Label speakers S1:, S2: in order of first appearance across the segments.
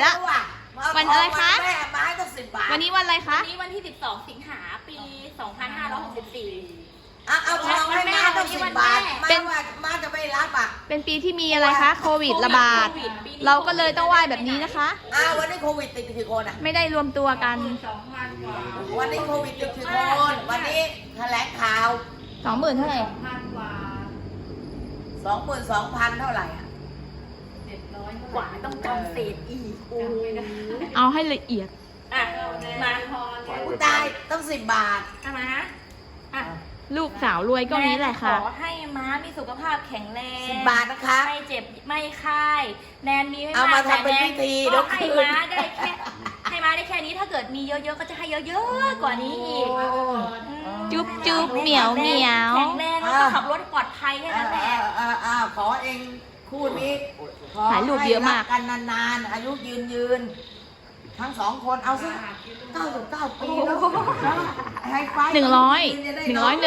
S1: ละ วันอะไรคะ
S2: แม่ไม้ต้อง10 บาท
S1: วันนี้วันอะไรคะ
S3: วันนี้วันที่ 12 สิงหาปี 2564
S2: เอาทองให้มาต้อง10 บาท
S1: เป็น
S2: มาจะไม่รับอ่ะ
S1: เป็นปีที่มีอะไรคะ โควิดระบาด เราก็เลยต้องไหว้แบบนี้นะคะ
S2: วันนี้โควิดติดกี่คนอ่ะ
S1: ไม่ได้รวมตัวกัน
S2: วันนี้โควิดติดกี่คน วันนี้แถลงข่าว
S1: 20,000เท่าไหร่
S2: 22,000 เท่าไหร่อ่ะ
S3: กว่าต้องจำเศษอีกโอ้ย
S1: เอาให้ละเอียด
S3: อ่ะมา
S2: กูตายต้อง10 บาท
S3: อ่ะมาอ่ะ
S1: ลูกสาวรวยก็นี้แหละค่ะ
S3: ขอให้ม้ามีสุขภาพแข็งแรง
S2: 10 บาทนะคะ
S3: ไม่เจ็บไม่ไข้แนนมีไม่
S2: เอามา
S3: แต่
S2: ทำเป็น
S3: แน
S2: พิธี
S3: ก็
S2: เดี๋ยว
S3: ให้ม้าได้แค่ให้ม้าได้แค่นี้ถ้าเกิดมีเยอะๆก็จะให้เยอะๆกว่านี้อีก
S1: จุ๊บจุ๊บเหมียวเหมียว
S3: แข็งแรงแล้วก็ขับรถปลอดภัยแค่นั้นแหละ
S2: ขอเองคู่นี้ขอ
S1: ถ่ายรูปเยอะมาก
S2: ให้รักันนานๆ อายุยืนทั้ง2 คนเอาซิ99 ปีแล้วให้ไฟ
S1: 100
S2: จะได้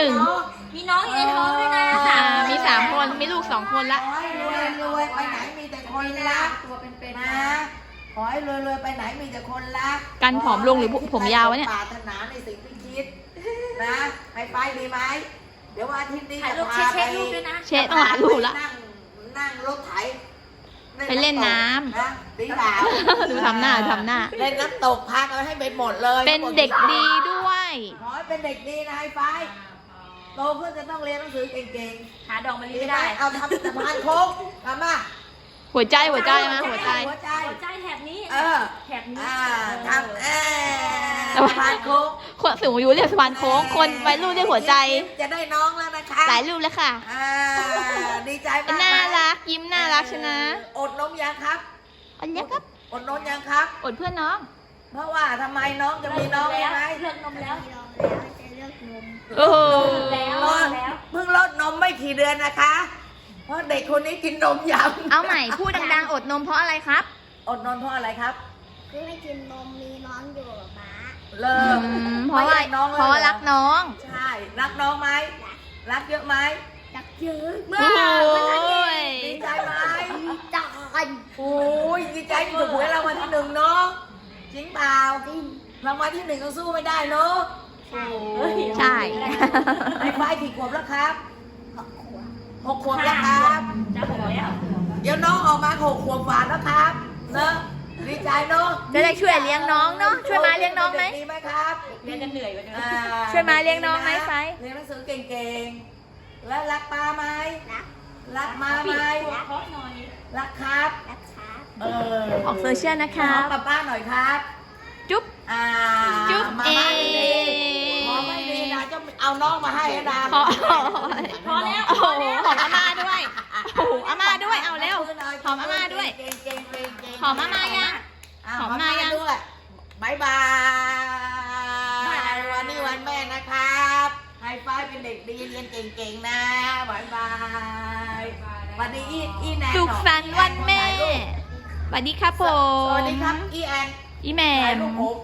S1: 101
S3: มีน้องอยู่ในท้องด้วยนะ
S1: มี3 คน มีลูก2 คนละ
S2: ขอให้รวยไปไหนมีแต่คนรักนะขอให้รวยไปไหนมีแต่คนรัก
S1: กันผอมลงหรือผมยาววะเนี่ย
S2: ปรารถนาในสิ่งที่คิดนะให้ไฟดีไหมเดี๋ยววันอาทิตย์นี้
S3: ถ่าย
S2: จะ
S3: รูป
S2: พา
S3: เช็
S2: ไป
S3: ครูปด้วยนะ
S1: เช็ดต้องหาลูกละ
S2: นั่งรถไถ
S1: ไปเล่นน้ำ
S2: นะดีเปล่า
S1: ดูทำหน้า
S2: เล่นน้ำตกพากันให้ไปหมดเลย
S1: เป็นเด็กดีด้วย
S2: ขอให้เป็นเด็กดีนะไอ้ไฟโตขึ้นจะต้องเรียนหนังสือเก่ง
S3: หาดอกมะ
S2: ๆ
S3: ลิ
S2: ดี
S3: ไม่
S2: ไหม
S3: ได้
S2: เอาทำสะพานโค้งทำมา
S1: หัวใจมาหัวใจ
S2: หัวใจ
S3: หัวใจแถบนี้ แถบนี้
S2: ทำสะพานโค้ง
S1: คนสูงอายุเรียกสะพานโค้ง คนวัยรุ่นเรียกหัวใจ
S2: จะได้น้องแล้วนะคะ
S1: หลายรูปแล้วค่ะ
S2: ดีใจมาก
S1: น่ารัก ยิ้มน่ารักชนะ
S2: อดนมยังครับ
S1: อันนี้ครับ
S2: อดนมยังครับ
S1: อดเพื่อนน้อง
S2: เพราะว่าทำไมน้องจะมีน้องใช่ไหม
S3: เลือกนมแล้ว
S1: โอ้โห
S3: แล้ว
S2: เพิ่งลดนมไม่กี่เดือนนะคะ เพราะเด็กคนนี้กินนมยัง
S1: เอาใหม่ พูดดังๆ อดนมเพราะอะไรครับ
S2: อดนมเพราะอะไรครับ
S4: คือไม่กินนมมีน้องอยู่กับป๊า
S2: เลิก
S1: เพราะว่า
S2: ไม่น้องเลย
S1: เพราะว่ารักน้อง
S2: ใช่ รักน้องไหม รักเยอะไหม
S4: จักเยอะ
S2: เมื่อ
S1: โอ้ย
S2: ดีใจไหม
S4: จัก
S2: โอ้ยดีใจที่ถูกหวยรางวัลที่ 1เนาะจริงเปล่ารางวัลที่ 1ก็สู้ไม่ได้เนาะ
S1: ใช่
S2: ไอ้ไฟกี่ขวบแล้วครับ
S4: ขวบ
S2: 6 ขวบแล้วครับ
S3: จะหกแล้ว
S2: เดี๋ยวน้องออกมา6 ขวบกว่าแล้วครับเนอะดีใจเนาะ
S1: จะได้ช่วยเลี้ยงน้องเนาะ ช่วยมาเลี้ยงน้องไหม
S2: ดีไหมครับ
S3: เรียนกันเหนื่อยกว่าเดิม
S1: ช่วยมาเลี้ยงน้องไหมไฟ
S2: เรียนหนังสือเก่งๆ แล้วรักป้าไหม
S4: รัก
S2: รักมาไหม
S3: เพราะหน่อย
S2: รักครับ
S4: รักครับ
S1: ออกโซเชียลนะค
S2: ข
S1: รั
S2: อบ กับป้าหน่อยครับ
S1: จุ๊บ จุ๊บ
S2: มา
S1: เอ
S2: บ้านดีขอไม่ดีนะจะเอาน้องมาให้นะ
S1: พอ
S3: พอแล้ว
S1: โอ้โหหอมอาม่าด้วย โอ้โหอาม่าด้วย เอาเร็ว หอมอาม่าด้วย
S2: เก่งๆๆๆ
S1: หอมอาม่ายัง หอมมายัง
S2: ด้วยบายบายวันนี้วันแม่นะครับไฮไฟเป็นเด็กดีเรียนเก่งๆนะบายบายวันนี้อีแนน
S1: สุขสันต์วันแม่ สวัสดีครับผม
S2: สวัสดีครับอีแอน
S1: อีแม
S2: ถ่าย
S1: ม
S2: รูปผม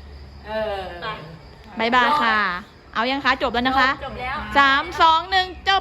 S3: ไป
S1: บายบายค่ะ เอายังคะ จบแล้วนะคะ
S3: จบแล้ว
S1: 3 2 1 จบ